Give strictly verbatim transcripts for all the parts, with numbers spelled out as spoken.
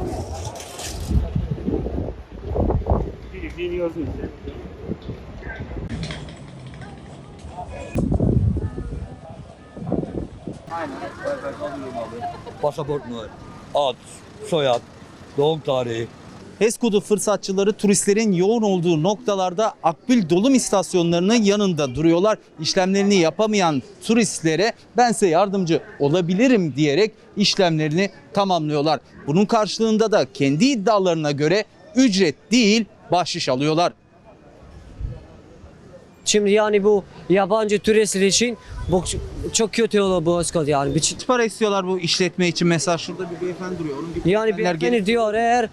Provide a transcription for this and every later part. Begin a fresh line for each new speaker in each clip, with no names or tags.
Biliyorsun işte. Aynen.
Pasaport numara, ad, soyad, doğum tarihi.
HES kodu fırsatçıları turistlerin yoğun olduğu noktalarda akbil dolum istasyonlarının yanında duruyorlar. İşlemlerini yapamayan turistlere ben size yardımcı olabilirim diyerek işlemlerini tamamlıyorlar. Bunun karşılığında da kendi iddialarına göre ücret değil bahşiş alıyorlar.
Şimdi yani bu yabancı turistler için bu çok kötü olur bu HES kodu yani. Bir-
Kaç para istiyorlar bu işletme için? Mesela şurada bir beyefendi duruyor. Onun gibi
Yani
beyefendiler
beni
gelip
diyor eğer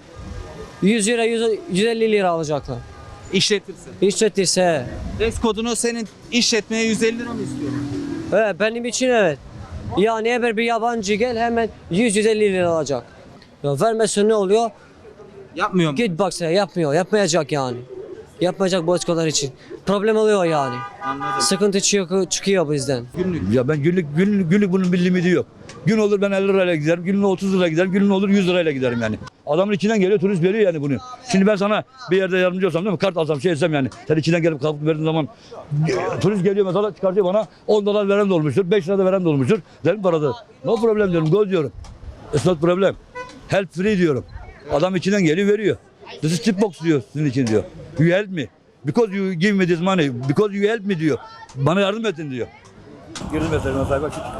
yüz lira yüz- yüz elli lira alacaklar.
işletirse.
İşletirse.
HES kodunu senin işletmeye yüz elli lira mı istiyorlar?
Evet, benim için evet. Yani eğer bir yabancı gel hemen yüz yüz elli lira alacak. Ya vermezse ne oluyor?
Yapmıyor mu?
Git bak sen yapmıyor. Yapmayacak yani. Yapmayacak bu HES kodlar için. Problem oluyor yani.
Anladım.
Sıkıntı çıkıyor, çıkıyor bizden.
Günlük.
Ya ben günlük, günlük, günlük bunun bir limiti yok. Gün olur ben elli lirayla giderim, günlük otuz lirayla giderim, günlük olur yüz lirayla giderim yani. Adamın içinden geliyor, turist veriyor yani bunu. Şimdi ben sana bir yerde yardımcı olsam değil mi? Kart alsam şey etsem yani. Sen içinden gelip kalkıp verdiğin zaman e, turist geliyor mesela çıkartıyor bana on dolar veren de olmuştur, beş lira da veren de olmuştur. Derim parada. No problem diyorum, go diyorum. It's not problem. Help free diyorum. Adam içinden geliyor veriyor. This is tip box diyor sizin için diyor. You help me. Because you give me this money. Because you help me diyor. Bana yardım ettin diyor. Girdim mesela sayfa çıkıyor.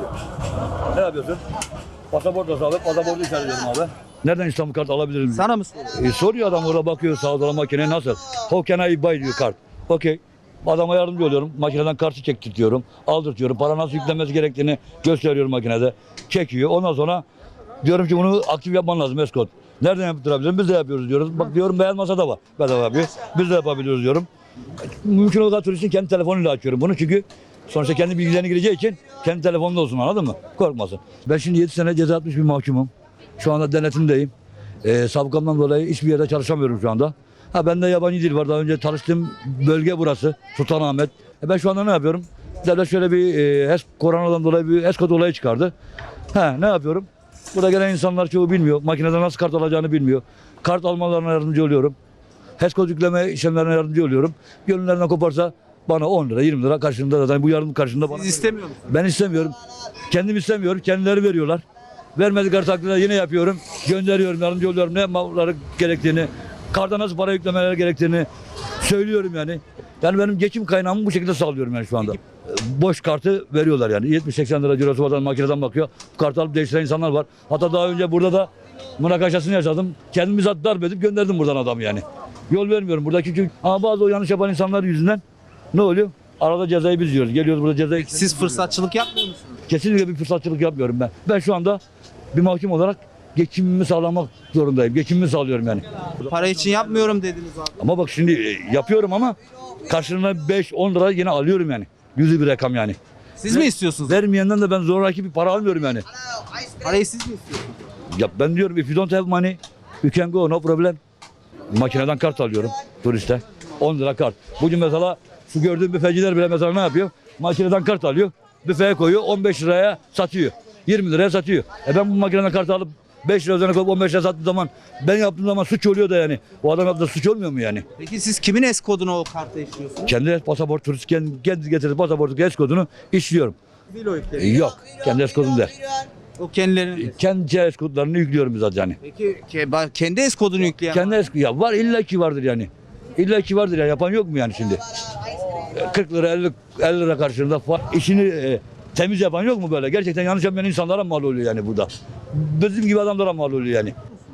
Ne yapıyorsun? Pasaport da sağlık, pasaportu işaretliyorum abi. Nereden İstanbul kart alabilirim?
Sana mı soruyor?
E, soruyor adam orada bakıyor sağa sola makine nasıl? How can I buy diyor kart. Okey. Adama yardımcı oluyorum. Makineden kartı çektirtiyorum. Aldırtıyorum. Para nasıl yüklenmesi gerektiğini gösteriyorum makinede. Çekiyor. Ondan sonra diyorum ki bunu aktif yapman lazım HES kod. Nereden yaptırabilirim? Biz de yapıyoruz diyoruz. Bak diyorum beyaz masada var. Bedava yapıyor. Biz de yapabiliyoruz diyorum. Mümkün olduğu kadar turistin kendi telefonuyla açıyorum bunu çünkü sonuçta kendi bilgilerini gireceği için kendi telefonunda olsun anladın mı? Korkmasın. Ben şimdi yedi sene ceza atmış bir mahkumum. Şu anda denetimdeyim. Ee, sabıkamdan dolayı hiçbir yerde çalışamıyorum şu anda. Ha bende yabancı dil var. Daha önce çalıştığım bölge burası. Sultanahmet. E ben şu anda ne yapıyorum? Devlet şöyle bir e, HES, koronadan dolayı bir HES kod olayı çıkardı. Ha ne yapıyorum? Burada gelen insanlar çoğu bilmiyor. Makineden nasıl kart alacağını bilmiyor. Kart almalarına yardımcı oluyorum. HES kod yükleme işlemlerine yardımcı oluyorum. Gönüllerinden koparsa bana on lira yirmi lira karşılığında zaten bu yardım karşılığında bana.
Siz istemiyor musunuz?
Ben istemiyorum. Kendim istemiyorum. Kendileri veriyorlar. Vermedikleri takdirde yine yapıyorum. Gönderiyorum, yardımcı oluyorum. Ne yapmaları gerektiğini, karda nasıl para yüklemeleri gerektiğini söylüyorum yani. Yani benim geçim kaynağımı bu şekilde sağlıyorum yani şu anda. Boş kartı veriyorlar yani. yetmiş seksen lira cirosu var, makineden bakıyor. Bu kartı alıp değiştiren insanlar var. Hatta daha önce burada da münakaşasını yaşadım. Kendimi zat darp edip gönderdim buradan adam yani. Yol vermiyorum buradaki çünkü ama bazı o yanlış yapan insanlar yüzünden ne oluyor? Arada cezayı biz yiyoruz. Geliyoruz burada cezayı.
Siz fırsatçılık yapmıyor musunuz?
Kesinlikle bir fırsatçılık yapmıyorum ben. Ben şu anda bir mahkum olarak geçimimi sağlamak zorundayım. Geçimimi sağlıyorum yani.
Para için yapmıyorum dediniz abi.
Ama bak şimdi e, yapıyorum ama karşılığında beş on lira yine alıyorum yani. Yüzü bir rakam yani.
Siz mi istiyorsunuz?
Vermeyenden de ben zoraki bir para almıyorum yani.
Parayı siz mi istiyorsunuz?
Ya ben diyorum if you don't have money you can go no problem. Makineden kart alıyorum turiste. on lira kart. Bugün mesela şu gördüğüm büfeciler bile mesela ne yapıyor? Makineden kart alıyor. Büfeye koyuyor on beş liraya satıyor. yirmi liraya satıyor. E ben bu makineden kart alıp beş lira üzerine koyup on beş liraya sattığım zaman ben yaptığım zaman suç oluyor da yani. O adam yaptığı suç olmuyor mu yani?
Peki siz kimin HES kodunu o karta işliyorsunuz?
Kendi pasaport turist kendi, kendi getirdiği pasaportu HES kodunu işliyorum.
Bilo
E,
yükleri.
yok. Kendi HES kodum değil.
O kendilerinin.
Kendi HES kodlarını yüklüyorum biz zaten yani.
Peki ke- ba- kendi HES kodunu yükleyen
Kendi HES ya var illa ki vardır yani. İlla ki vardır ya yapan yok mu yani şimdi? E, kırk lira elli, elli lira karşılığında fa- işini e, temiz yapan yok mu böyle? Gerçekten yanlış yapmayan insanlara mal oluyor yani burada. Bizim gibi adamlara mal oluyor yani.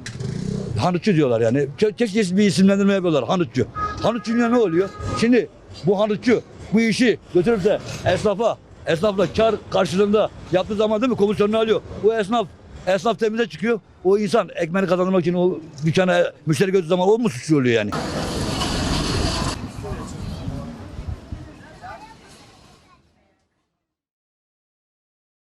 Hanutçu diyorlar yani. Çok çeşitli bir isimlendirme yapıyorlar. Hanutçu. Hanutçu'ya ne oluyor? Şimdi bu hanutçu bu işi götürüp de esnafa, esnafla kar karşılığında yaptığı zaman değil mi komisyonunu alıyor. Bu esnaf, esnaf temize çıkıyor. O insan ekmeğini kazanmak için o dükkana müşteri götürdüğü zaman o mu suçlu oluyor yani?